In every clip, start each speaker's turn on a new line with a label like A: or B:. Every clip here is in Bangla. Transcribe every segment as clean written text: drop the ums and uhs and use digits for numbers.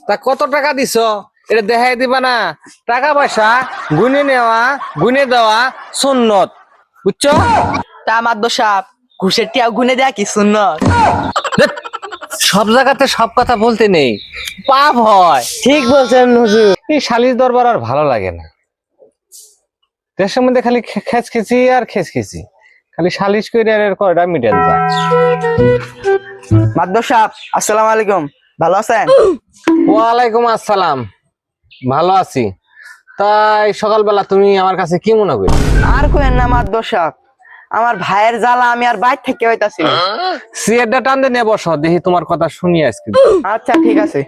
A: তা কত টাকা দিছ এটা দেখাই দিবা না? টাকা পয়সা গুনে নেওয়া গুনে দেওয়া সুন্নত, বুঝছো?
B: তা মাদ্দর সাহেব ঘুষের টিয়া গুনে দেয়া কি সুন্নত?
A: ধ্যাৎ, সব জায়গাতে সব কথা বলতে নেই, পাপ হয়।
B: ঠিক বলছেন হুজুর।
A: এই সালিশ দরবার আর ভালো লাগে না। দেশের মধ্যে খালি খেচখেচি আর খেচখেচি, খালি সালিশ করে আর এর কয়টা মিটেন যায়।
B: মাদ্দর সাহেব আসসালামু আলাইকুম, ভালো আছেন?
A: ওয়ালাইকুম আসসালাম, ভালো আছি। তাই সকালবেলা তুমি আমার কাছে কি মনে করি?
B: আর কোয়েন না মাদ্দর সাহেব, আমার ভাইয়ের জ্বালা আমি আর বাইর থেকে হইতাছি না।
A: সিয়ারটা টান দিয়ে নিয়ে বসো, দেখি তোমার কথা শুনি আজকে।
B: আচ্ছা ঠিক আছে।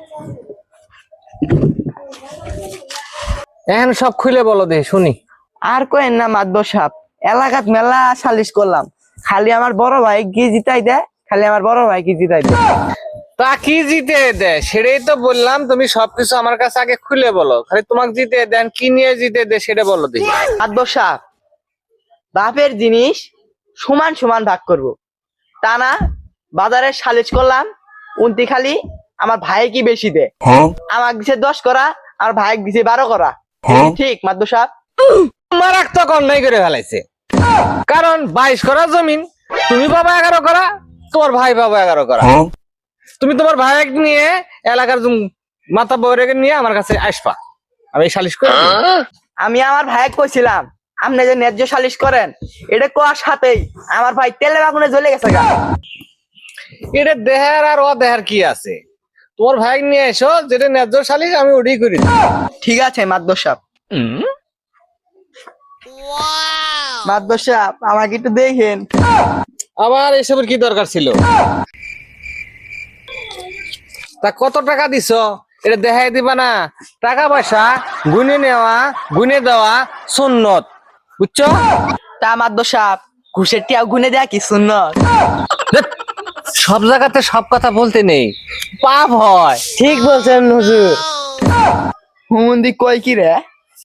A: এখন সব খুলে বলো, দেখি শুনি।
B: আর কোয়েন না মাদ্দর সাহেব, এলাকাত মেলা সালিশ করলাম, খালি আমার বড় ভাই কি জিতাই দেয়, খালি আমার বড় ভাই কি জিতাই দেয়।
A: তা কি জিতে দেয় সেটাই তো বললাম, তুমি সবকিছু আমার কাছে আগে খুলে বলো। খালি তোমাকে জিতে দেন, কি নিয়ে জিতে দেয় সেটা বলো দেখি।
B: মাদ্দর সাহেব, বাপের জিনিস সমান সমান ভাগ করব, তা না বাজারে সালিশ করলাম, উনতি খালি আমার ভাই কি বেশি দেয়, আমার দিছে 10 করা আর ভাই দিছে 12 করা। ঠিক মাদ্দর সাহেব?
A: মারাক তো অন্যায় করে ফেলাইছে, কারণ 22 করা জমিন তুমি পাবা 11 করা, তোমার ভাই পাবা 11 করা। তুমি তোমার ভাই নিয়ে এলাকার মাথা বউরে নিয়ে আমার কাছে আসবা, আমি সালিশ করে দেব।
B: আমি আমার ভাই কইছিলাম আপনি যে ন্যায্য সালিশ করেন, এটা কোয়ার সাথেই আমার ভাই তেলে আগুনে জ্বলে গেছে গা।
A: এটা দেহার আর অদেহার কি আছে? তোমার ভাই নিয়ে এসো, যেটা ন্যায্য সালিশ আমি ওটাই করি।
B: ঠিক আছে মাদ্দর সাহেব। মাদ্দর সাহেব আমাকে একটু দেখেন।
A: আবার এসবের কি দরকার ছিল? তা কত টাকা দিছ এটা দেখাই দিবা না? টাকা পয়সা গুনে নেওয়া গুনে দেওয়া সুন্নত, বুঝছো?
B: তা মাদ্দর সাহেব ঘুষের টিয়া গুনে দেয়া কি সুন্নত?
A: ধ্যাৎ, সব জায়গাতে সব কথা বলতে নেই, পাপ হয়।
B: ঠিক বলছেন হুজুর। হুমন্দি কয় কি রে?